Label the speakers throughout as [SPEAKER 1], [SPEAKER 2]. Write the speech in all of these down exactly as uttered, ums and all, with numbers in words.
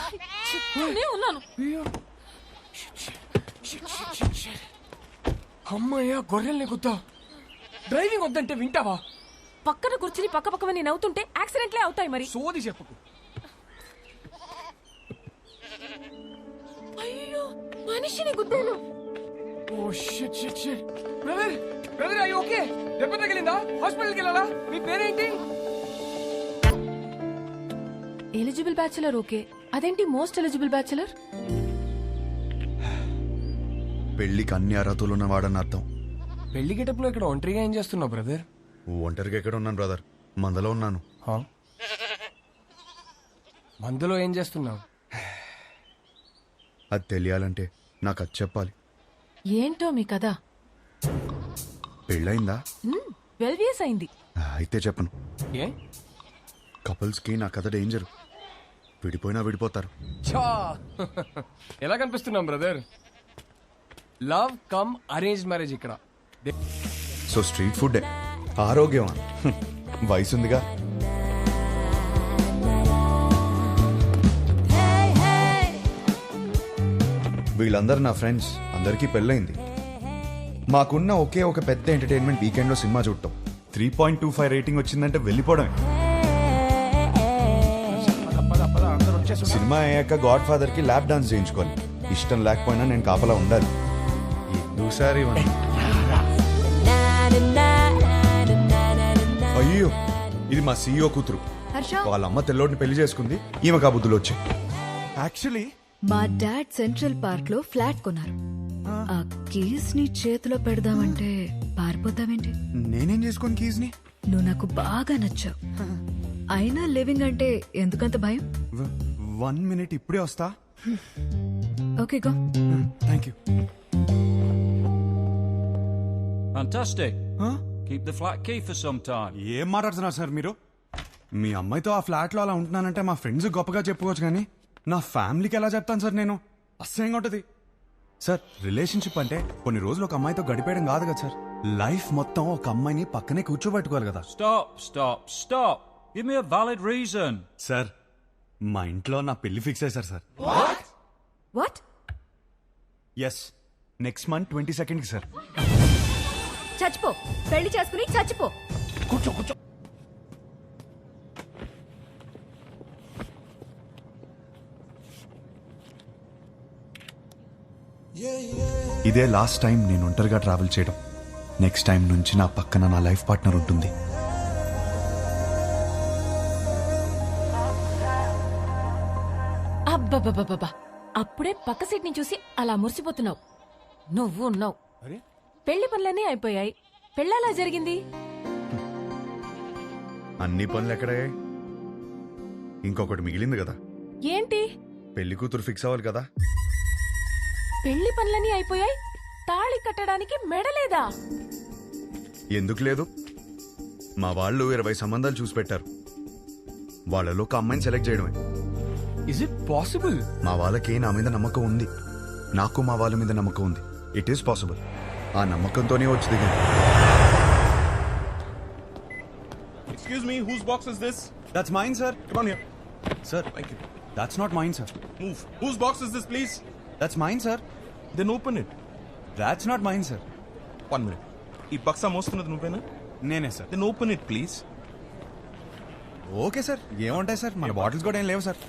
[SPEAKER 1] ఉన్నాను.
[SPEAKER 2] అమ్మయ్యా గొర్రెల్ని గుద్దా. డ్రైవింగ్ వద్దంటే వింటావా?
[SPEAKER 1] పక్కన కూర్చుని పక్క పక్కన నేను అవుతుంటే యాక్సిడెంట్లే అవుతాయి. మరి
[SPEAKER 2] సోది చెప్పుకు.
[SPEAKER 1] అయ్యో మనిషిని గుద్దాను.
[SPEAKER 2] Oh shit shit shit. Brother brother అయ్యి ఓకే? దెబ్బ తగిలిందా? హాస్పిటల్కి వెళ్ళాలా? మీ పేరేంటి?
[SPEAKER 1] Eligible bachelor. ఓకే, అదేంటి మోస్ట్ ఎలిజిబుల్ బ్యాచులర్?
[SPEAKER 3] పెళ్లికి అన్ని అర్హతలు ఉన్నవాడని అర్థం.
[SPEAKER 2] పెళ్లి గెటప్లో ఇక్కడ ఒంటరిగా ఏం చేస్తున్నావు బ్రదర్?
[SPEAKER 3] ఒంటరిగా ఎక్కడ ఉన్నాను బ్రదర్, మందలో ఉన్నాను.
[SPEAKER 2] మందులో ఏం చేస్తున్నావు?
[SPEAKER 3] అది తెలియాలంటే నాకు అది చెప్పాలి.
[SPEAKER 1] ఏంటో మీ కదా?
[SPEAKER 3] పెళ్ళయిందా?
[SPEAKER 1] ట్వెల్వ్ ఇయర్స్ అయింది.
[SPEAKER 3] అయితే చెప్పను.
[SPEAKER 2] ఏ?
[SPEAKER 3] కపుల్స్ కి నా కథ డేంజర్. విడిపోయినా విడిపోతారు.
[SPEAKER 2] చా ఎలా కనిపిస్తున్నాం brother? Love come arrange marriage ఇక్కడ.
[SPEAKER 3] సో స్ట్రీట్ ఫుడ్ ఆరోగ్యం వయసుందిగా. వీళ్ళందరూ నా ఫ్రెండ్స్, అందరికీ పెళ్ళైంది. మాకున్న ఒకే ఒక పెద్ద ఎంటర్టైన్మెంట్ వీకెండ్ లో సినిమా చూడటం. Three point two five rating వచ్చిందంటే వెళ్ళిపోవడమే. సినిమా అయ్యాక గాడ్ ఫాదర్ కి ల్యాప్ డాన్స్ చేయించుకోవాలి. ఇష్టం లేకపోయినా నేను కాపలా ఉండాలి. ఎందుసారి అయ్యో, ఇది మా సీఈఓ కూతురు. వాళ్ళ అమ్మ తెల్లోడిని పెళ్లి చేసుకుంది. ఈమె కాబుద్దులు వచ్చాయి.
[SPEAKER 4] యాక్చువల్లీ
[SPEAKER 5] మా డాడ్ సెంట్రల్ పార్క్ లో ఫ్లాట్ కొన్నారు. ఆ కీస్ ని చేతిలో పెడదామంటే పారిపోతావేంటి?
[SPEAKER 4] నేనేం చేసుకోను కీస్ ని.
[SPEAKER 5] నువ్వు నాకు బాగా నచ్చావు. అయినా లివింగ్ అంటే ఎందుకంత భయం?
[SPEAKER 4] వన్ మినిట్, ఇప్పుడే వస్తా.
[SPEAKER 5] Okay go.
[SPEAKER 4] Thank you.
[SPEAKER 6] Fantastic. Keep the flat key for some time.
[SPEAKER 4] ఏం మాట్లాడుతున్నారు సార్ మీరు? మీ అమ్మాయితో ఆ ఫ్లాట్ లో అలా ఉంటున్నానంటే మా ఫ్రెండ్స్ గొప్పగా చెప్పుకోవచ్చు, కానీ నా ఫ్యామిలీకి ఎలా చెప్తాను సార్ నేను? అసహ్యంగా ఉంటది సార్. రిలేషన్షిప్ అంటే కొన్ని రోజులు ఒక అమ్మాయితో గడిపేయడం కాదు కదా సార్. లైఫ్ మొత్తం ఒక అమ్మాయిని పక్కనే కూర్చోబెట్టుకోవాలి కదా.
[SPEAKER 6] Stop, stop, stop. Give me a valid reason.
[SPEAKER 4] Sir, మా ఇంట్లో నా పెళ్లి ఫిక్స్ అయ్యారు sir.
[SPEAKER 5] What?
[SPEAKER 4] Yes, next month twenty second కి సార్.
[SPEAKER 5] చచ్చిపో, పెళ్లి చేసుకుని చచ్చిపో.
[SPEAKER 2] కూర్చో కూర్చో.
[SPEAKER 3] ఇదే లాస్ట్ టైం నేను ఒంటరిగా ట్రావెల్ చేయడం. నెక్స్ట్ టైం నుంచి నా పక్కన నా లైఫ్ పార్ట్నర్ ఉంటుంది.
[SPEAKER 1] అబ్బబ్బబ్బబ్బా, అప్పుడే పక్క సీట్ ని చూసి అలా మురిసిపోతున్నావు. నువ్వు ఉన్నావు. పెళ్లి పనులన్నీ అయిపోయాయి. పెళ్ళలా జరిగింది.
[SPEAKER 3] అన్ని పనులు ఎక్కడయ్యాయి? ఇంకొకటి మిగిలింది కదా.
[SPEAKER 1] ఏంటి?
[SPEAKER 3] పెళ్లి కూతురు ఫిక్స్ అవ్వాలి కదా.
[SPEAKER 1] పెళ్లి పనులన్నీ అయిపోయాయి, తాళి కట్టడానికి మెడలేదా?
[SPEAKER 3] ఎందుకు లేదు? మా వాళ్ళు ఇరవై సంబంధాలు చూసి పెట్టారు. వాళ్ళలో ఒక అమ్మాయిని సెలెక్ట్ చేయడమే.
[SPEAKER 2] Is it possible?
[SPEAKER 3] మా వాళ్ళకి నా మీద నమ్మకం ఉంది, నాకు మా వాళ్ళ మీద నమ్మకం ఉంది. It is possible. ఆ నమ్మకంతోనే వచ్చి దిగాను.
[SPEAKER 7] Excuse me, whose box is this?
[SPEAKER 4] That's mine, sir.
[SPEAKER 7] Come on here.
[SPEAKER 4] Sir,
[SPEAKER 7] Thank you.
[SPEAKER 4] that's not mine, sir.
[SPEAKER 7] Move. Whose box is this, please?
[SPEAKER 4] That's mine, sir.
[SPEAKER 7] Then open it.
[SPEAKER 4] That's not mine, sir.
[SPEAKER 7] One minute. ఈ బక్సా మోస్తున్నది నువ్వేనా?
[SPEAKER 4] నేనే sir.
[SPEAKER 7] Then open it, please.
[SPEAKER 4] Okay sir, ఏముంటాయి sir, మన bottles కూడా ఏం లేవు sir.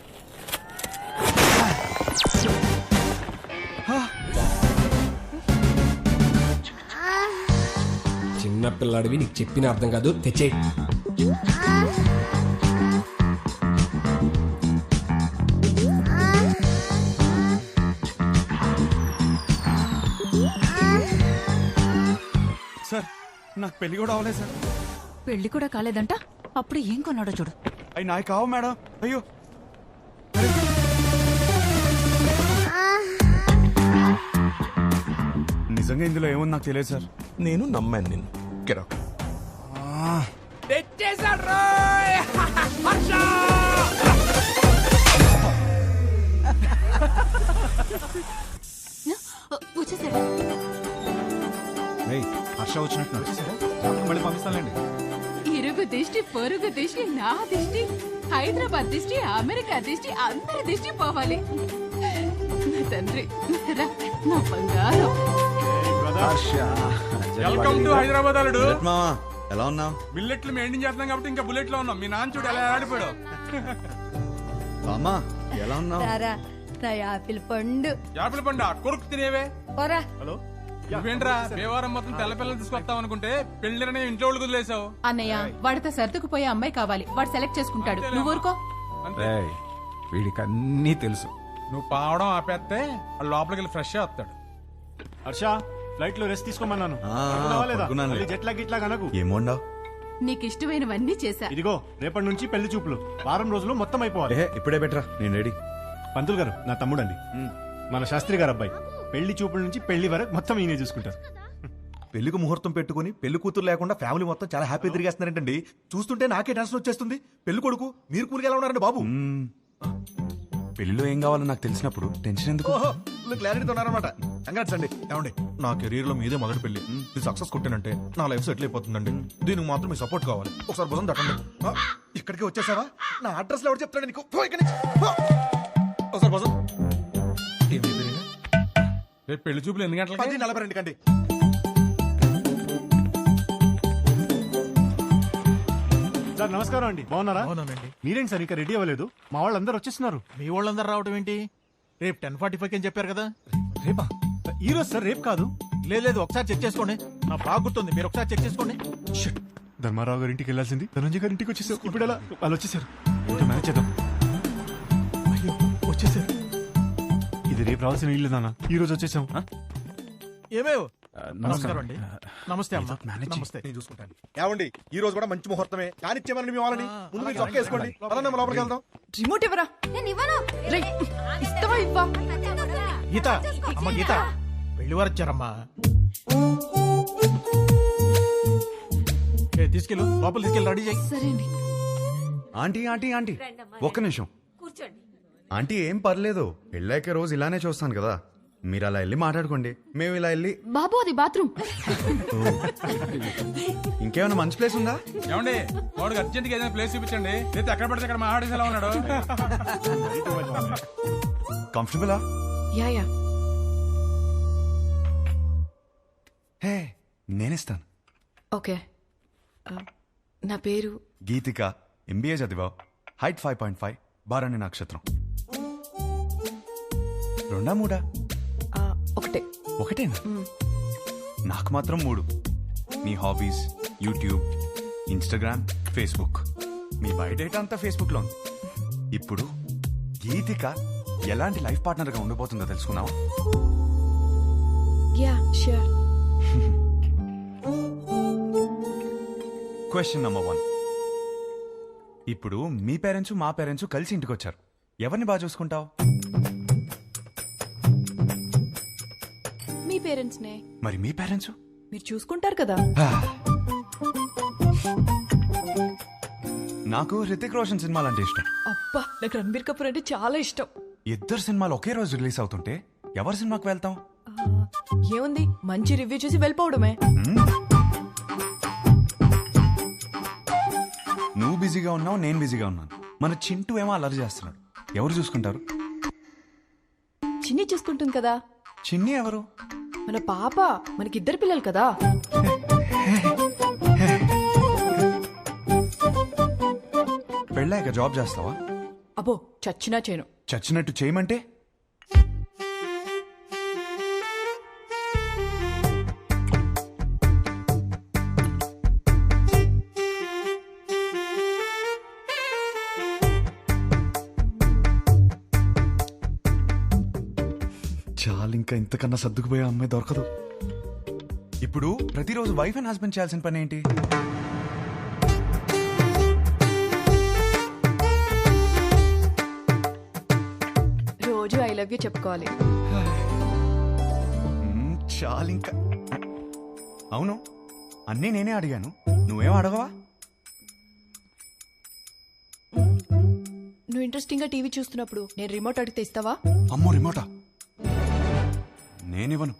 [SPEAKER 2] చిన్న పిల్లాడివి, నీకు చెప్పిన అర్థం కాదు. తెచ్చే.
[SPEAKER 4] సార్, నాకు పెళ్లి కూడా అవ్వలేదు సార్.
[SPEAKER 5] పెళ్లి కూడా కాలేదంట, అప్పుడు ఏం కొన్నాడో చూడు.
[SPEAKER 4] అవి నాకు కావు మేడం. అయ్యో, నిజంగా ఇందులో ఏముంది నాకు తెలియదు సార్.
[SPEAKER 7] నేను నమ్మాను నిన్ను. Get out.
[SPEAKER 2] తెచ్చేసాడు రోయ్. హర్ష!
[SPEAKER 5] వచ్చేసాడా?
[SPEAKER 4] ఏయ్, హర్ష వచ్చినట్టు మళ్ళీ పంపిస్తానండి.
[SPEAKER 1] ఇరుగు దిష్టి, పొరుగు దిష్టి, నా దిష్టి.
[SPEAKER 8] హైదరాబాద్ దిష్టి, అమెరికా దిష్టి, అందరి దిష్టి పోవాలి. నా తండ్రి, రా, నా బంగారం.
[SPEAKER 2] వెల్కమ్ టు హైదరాబాద్ అల్లుడు.
[SPEAKER 3] మావా ఎలా ఉన్నావు?
[SPEAKER 2] బిల్లెట్లు మెయింటైన్ చేస్తున్నాం కాబట్టి ఇంకా బుల్లెట్ లో ఉన్నాం. మీ నాన్న చూడు ఎలా ఆడిపోయాడు.
[SPEAKER 3] అమ్మా ఎలా ఉన్నావు?
[SPEAKER 9] నా యాపిల్ పండు
[SPEAKER 2] యాపిల్ పండు కొరుకు తినేవే.
[SPEAKER 9] పోరా.
[SPEAKER 2] నువ్వేంట్రా దేవారం మొత్తం తెల్ల పిల్లలు తీసుకొస్తాం అనుకుంటే పెళ్లిరనే ఇంట్లో వాళ్ళు కుదిలేసావు.
[SPEAKER 8] అన్నయ్య, వాడితో సర్దుకుపోయే అమ్మాయి కావాలి. వాడు సెలెక్ట్ చేసుకుంటాడు. నువ్వు ఊరుకో.
[SPEAKER 2] వీడికి అన్నీ తెలుసు. నువ్వు పావడం ఆపేస్తే వాడు లోపలికి వెళ్ళి ఫ్రెష్ వస్తాడు.
[SPEAKER 10] హర్ష ఫ్లైట్ లో రెస్ట్ తీసుకోమన్నాను.
[SPEAKER 3] ఆ, పడుకున్నానులే.
[SPEAKER 10] జెట్లా గిట్లా కనకు.
[SPEAKER 3] ఏమోండావు?
[SPEAKER 8] నీకు ఇష్టమైనవన్నీ చేశా.
[SPEAKER 10] ఇదిగో రేపటి నుంచి పెళ్లి చూపులు వారం రోజులు మొత్తం అయిపోవాలి.
[SPEAKER 3] ఏ ఇప్పుడే బెటరా, నేను రెడీ.
[SPEAKER 10] పంతులు గారు నా తమ్ముడండి, మన శాస్త్రి గారు అబ్బాయి. పెళ్లి చూపుల నుంచి పెళ్లి వరకు మొత్తం ఈయనే చూసుకుంటారు.
[SPEAKER 11] పెళ్లికి ముహూర్తం పెట్టుకుని పెళ్లి కూతురు లేకుండా ఫ్యామిలీ మొత్తం చాలా హ్యాపీ తిరిగేస్తున్నారంటండి. చూస్తుంటే నాకే టెన్షన్ వచ్చేస్తుంది. పెళ్లి కొడుకు మీరు కూలికి ఎలా ఉన్నారండి బాబు?
[SPEAKER 3] పెళ్లిలో ఏం కావాలో నాకు తెలిసినప్పుడు టెన్షన్ ఎందుకు?
[SPEAKER 11] క్లారిటీతో ఉన్నారనమాట. కంగ్రాట్స్ అండి. ఏమండి నా కెరీర్ లో మీదే మొదటి పెళ్లి. ఇది సక్సెస్ కొట్టానంటే నా లైఫ్ సెటిల్ అయిపోతుందండి. దీనికి మాత్రం మీ సపోర్ట్ కావాలి. ఒకసారి భుజం తట్టండి. ఆ, ఇక్కడికి వచ్చేసావా? నా అడ్రస్ లో ఎవరు చెప్తాడు నీకు? పో ఇక్కడి నుంచి. పో. ఒకసారి భుజం.
[SPEAKER 2] రేపు పెళ్లి చూపులు ఎన్ని గంటలకి?
[SPEAKER 11] పది నలభై రెండు కండి.
[SPEAKER 10] సార్ నమస్కారం అండి, బాగున్నారా? మీరేంటి సార్ ఇంకా రెడీ అవ్వలేదు? మా వాళ్ళందరూ వచ్చేస్తున్నారు.
[SPEAKER 12] మీ వాళ్ళందరూ రావడం ఏంటి? రేపు టెన్ ఫార్టీ ఫైవ్ అని చెప్పారు కదా.
[SPEAKER 10] రేపా? ఈ రోజు సార్, రేపు కాదు.
[SPEAKER 12] లేదు లేదు, ఒకసారి చెక్ చేసుకోండి. నా బాగా గుర్తుంది, మీరు ఒకసారి చెక్ చేసుకోండి.
[SPEAKER 10] ధర్మారావు గారి ఇంటికి వెళ్ళాల్సింది ధనంజయ్ గారి ఇంటికి వచ్చేసారు. ఇప్పుడు ఎలా? వాళ్ళు వచ్చేసారు. ఇంకా మేనేజ్ చేద్దాం. అయ్యో వచ్చేసారు. ఇది రేపు రావాల్సిన ఇల్లు నాన్న, ఈ రోజు వచ్చేసాం.
[SPEAKER 12] ఏమేవ్ నమస్కారం అండి. నమస్తే అమ్మా.
[SPEAKER 10] నమస్తే.
[SPEAKER 11] నేను చూసుకుంటాను. ఏమండి ఈ రోజు కూడా మంచి ముహూర్తమే. కానిచ్చేమని మీ వాళ్ళని ముందు మీరు చొక్కా వేసుకోండి. పదండి, మనం లోపలికి వెళ్దాం.
[SPEAKER 5] రిమోట్ ఇవ్వరా. రేయ్, ఇస్తావా ఇవ్వా?
[SPEAKER 12] గీత, అమ్మ గీత, పెళ్లి వారు వచ్చారమ్మా. ఏ, తీసుకెళ్ళు, లోపల తీసుకెళ్ళి రెడీ చేయి.
[SPEAKER 5] సరే అండి.
[SPEAKER 3] ఆంటీ ఆంటీ ఆంటీ ఒక్క నిమిషం. ఆంటీ ఏం పర్లేదు, పెళ్ళాక రోజు ఇలానే చూస్తాను కదా. మీరు అలా వెళ్ళి మాట్లాడుకోండి, మేము ఇలా వెళ్ళి.
[SPEAKER 5] బాబు అది బాత్రూమ్.
[SPEAKER 3] ఇంకేమైనా మంచి ప్లేస్ ఉందా?
[SPEAKER 2] ఏమండి వాడికి అర్జెంట్ గా ఏదైనా ప్లేస్ చూపించండి. లేదా ఎక్కడ పడితే అక్కడ మా ఆడేసి ఎలా ఉన్నాడు.
[SPEAKER 3] కంఫర్టబులా?
[SPEAKER 5] Yeah yeah.
[SPEAKER 3] హే నేనిస్తాను.
[SPEAKER 5] ఓకే. ఆ, నా పేరు
[SPEAKER 3] గీతిక, ఎంబీఏ చదివావు, హైట్ ఫైవ్ పాయింట్ ఫైవ్, బారాణి నక్షత్రం. రెండా మూడా?
[SPEAKER 5] ఆ, ఒకటే.
[SPEAKER 3] ఒకటేనా? నాకు మాత్రం మూడు. మీ హాబీస్ యూట్యూబ్, ఇన్స్టాగ్రామ్, ఫేస్బుక్. మీ బయోడేటా అంతా ఫేస్బుక్ లో ఉంది. ఇప్పుడు గీతిక ఎలాంటి లైఫ్ పార్ట్నర్ గా ఉండబోతుందో తెలుసుకున్నావా?
[SPEAKER 5] Yeah sure.
[SPEAKER 3] Question number one. ఇప్పుడు మీ పేరెంట్స్ మా పేరెంట్స్ కలిసి ఇంటికి వచ్చారు. ఎవరిని బాగా చూసుకుంటావు?
[SPEAKER 5] మీ పేరెంట్స్ నే.
[SPEAKER 3] మరి మీ పేరెంట్స్?
[SPEAKER 5] మీరు చూసుకుంటారు కదా.
[SPEAKER 3] నాకు హృతిక్ రోషన్ సినిమాలు అంటే ఇష్టం.
[SPEAKER 5] అబ్బా, నాకు రణబీర్ కపూర్ అంటే చాలా ఇష్టం.
[SPEAKER 3] ఇద్దరు సినిమాలు ఒకే రోజు రిలీజ్ అవుతుంటే ఎవరి సినిమాకి వెళ్తాం?
[SPEAKER 5] ఏముంది, మంచి రివ్యూ చూసి వెళ్ళిపోవడమే.
[SPEAKER 3] నువ్వు బిజీగా ఉన్నావు, నేను బిజీగా ఉన్నాను. మన చింటూ ఏమో అల్లరి చేస్తున్నాడు. ఎవరు చూసుకుంటారు?
[SPEAKER 5] చిన్ని చూసుకుంటుంది కదా.
[SPEAKER 3] చిన్ని ఎవరు?
[SPEAKER 5] మన పాప. మనకిద్దరు పిల్లలు కదా.
[SPEAKER 3] పెళ్ళాక జాబ్ చేస్తావా?
[SPEAKER 5] అబ్బో, చచ్చినా చేయను.
[SPEAKER 3] చచ్చినట్టు చేయమంటే? చాలు, ఇంకా ఇంతకన్నా సర్దుకుపోయే అమ్మాయి దొరకదు. ఇప్పుడు ప్రతిరోజు వైఫ్ అండ్ హస్బెండ్ చేయాల్సిన పని ఏంటి?
[SPEAKER 5] రోజు ఐ లవ్ యూ చెప్పుకోవాలి.
[SPEAKER 3] మ్మ్, చాలు ఇంకా. అవును, అన్నీ నేనే అడిగాను, నువ్వేం అడగవా?
[SPEAKER 5] నువ్వు ఇంట్రెస్టింగ్ గా టీవీ చూస్తున్నప్పుడు నేను రిమోట్ అడిగితే ఇస్తావా?
[SPEAKER 3] అమ్మో, రిమోటా? నేనివ్వను.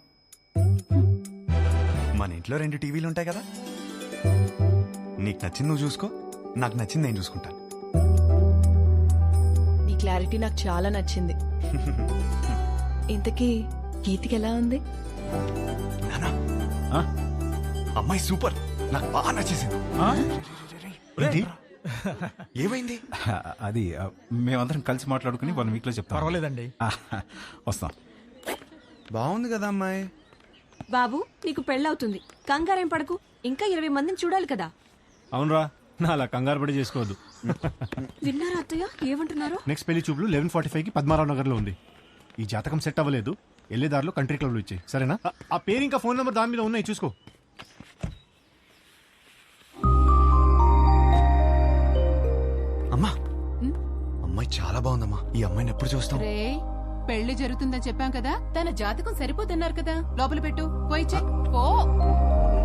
[SPEAKER 3] మన ఇంట్లో రెండు టీవీలు ఉంటాయి కదా. నీకు నచ్చింది నువ్వు చూసుకో, నాకు నచ్చింది నేను చూసుకుంటాను.
[SPEAKER 8] క్లారిటీ నాకు చాలా నచ్చింది. ఇంతకీ గీతికి ఎలా ఉంది?
[SPEAKER 4] నానా అమ్మాయి సూపర్, నాకు బాగా నచ్చేసింది.
[SPEAKER 10] ఏంటి?
[SPEAKER 4] ఏమైంది?
[SPEAKER 13] అది ఆ, మేమందరం కలిసి మాట్లాడుకుని వన్ వీక్ లో చెప్తాం.
[SPEAKER 12] పర్వాలేదండి.
[SPEAKER 13] ఆ, వస్తాం.
[SPEAKER 4] బాగుంది కదా అమ్మాయి.
[SPEAKER 1] బాబు నీకు పెళ్ళవుతుంది, కంగారేం పడకు. ఇంకా ఇరవై మందిని చూడాలి కదా.
[SPEAKER 10] అవునరా, నా అలా కంగారు పడి చేసుకోవద్దు.
[SPEAKER 1] విన్నారా అత్తయ్య ఏమంటున్నారు?
[SPEAKER 10] నెక్స్ట్ పెళ్లి చూపులు లెవెన్ ఫార్టీ ఫైవ్ కి పద్మారావు నగర్ లో ఉంది. ఈ జాతకం సెట్ అవ్వలేదు, వెళ్ళేదారిలో కంట్రీ క్లబ్ లో ఇచ్చాయి, సరేనా? ఆ- ఆ పేరు ఇంకా ఫోన్ నెంబర్ దాని మీద ఉన్నాయి, చూసుకో.
[SPEAKER 4] అమ్మా అమ్మాయి చాలా బాగుందమ్మా. ఈ అమ్మాయిని ఎప్పుడు చూస్తాం?
[SPEAKER 8] రే పెళ్లి జరుగుతుందని చెప్పాం కదా, తన జాతకం సరిపోతున్నారు కదా, లోపల పెట్టు, పోయి చెక్ పో.